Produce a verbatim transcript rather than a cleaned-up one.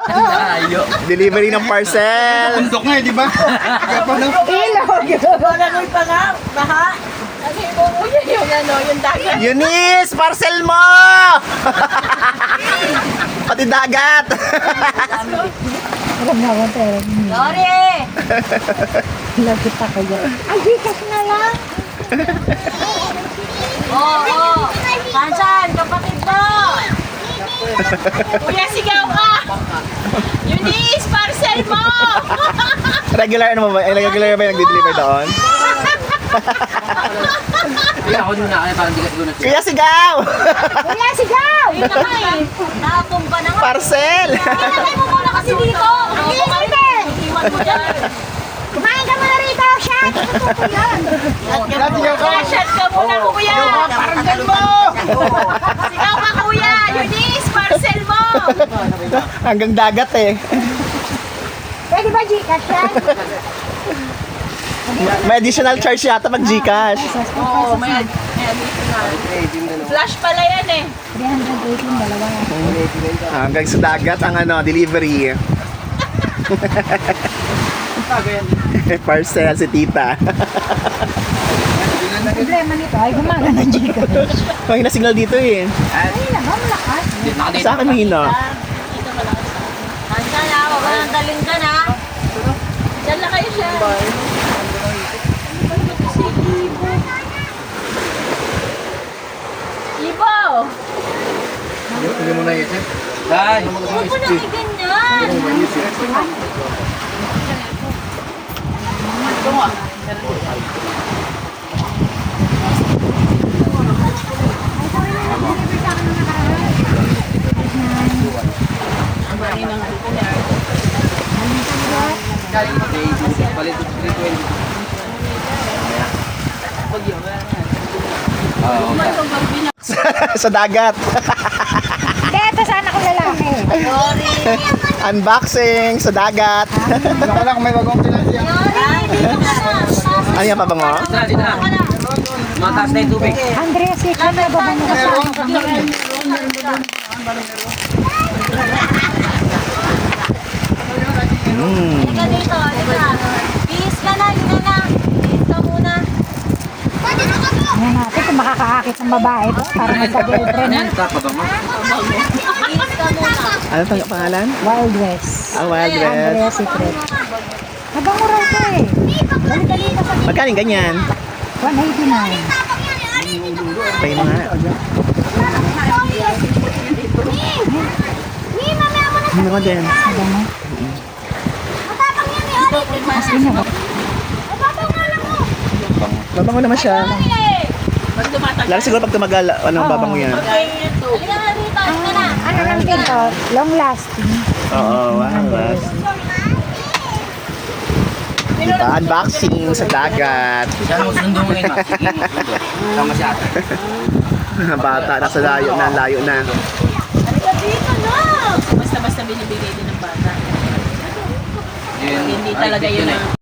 Layo. Delivery ng parcel. Bundok nga eh, di ba? Kaya pa lang. Malagoy pa nga, baha. Kasi umuulan yung ano, yung dagat. Eunice, parcel mo! Pati dagat. Lori! Lagi pa kayo. Ay, Gcash na lang. Oo, oo. Kansan, kapatid mo! Kuya, sigaw ka! Eunice, parcel mo! Regular ano ba? Eh, regular ba yung nagde-deliver doon? Kaya ako nung nakaya parang di ka siguro Kuya, sigaw! Kuya, sigaw! Ayun na nga eh. Nakatumba na nga. Parcel! Ilagay mo muna kasi dito. Hindi, Ano ka hindi. Iwan mo dyan. Kumain ka muna rito, shot! Ito po yan. Kaya shot ka muna, kuya. Parcel mo! Sigaw ka, kuya. Eunice, parcel mo! Hanggang dagat eh. Pwede ba Gcash yan? May additional charge yata pag Gcash. Oo, may may additional. Flash pala yan eh. three eighteen, dalawa. Hanggang sa dagat ang ano, delivery. Parcel si tita. Problema nito ay gumana ng Gcash. Mahina signal dito eh. Ay, naman, malakas. Sa akin mahina. Dito malakas na. Handa na, huwag ka nang daling ka na. Diyan na kayo siya. Ibo! Hindi mo naisip. Dahil. Huwag mo nang iganyan. Palit ko three twenty. Oo. Sa dagat. Hindi, ito sana ko lalaki. Sorry. Unboxing sa dagat. Wala lang, may bagong pinasya. Sorry. Dito ka na. Ano yan pabango? Dito na, dito na. Mataas na yung tubig. Andrea, secret na ba ba mo Meron. Mm. Halika dito, halika. Peace ka na, halika na. Peace ka muna. Yan natin kung makakaakit ng babae to para magka-girlfriend Ano na. yan? Tapabang mo? Peace ka muna. Ano pang pangalan? Wild West. Ah, Wild West. Andrea Secret. Mabango raw to eh. Dali-dali pa sa Magkano yung ganyan? one eighty-nine. Pay mo nga. Ano ka din? Mabango. Mas ina. Babango naman siya. Pag tumatagal. Lalo siguro pag tumagal, anong Oo. babango yan? Halika na dito, halika na. Ano lang din to? Long lasting. Oo, wow. wow. Diba? Unboxing sa dagat. Saan mo sundo mo ngayon, ma? Sige, sundo. Tama siya ata. Bata, nasa layo na, layo na. Halika dito na. Basta-basta binibigay din ng bata. Yun. Hindi Ay, talaga yun yun eh. ang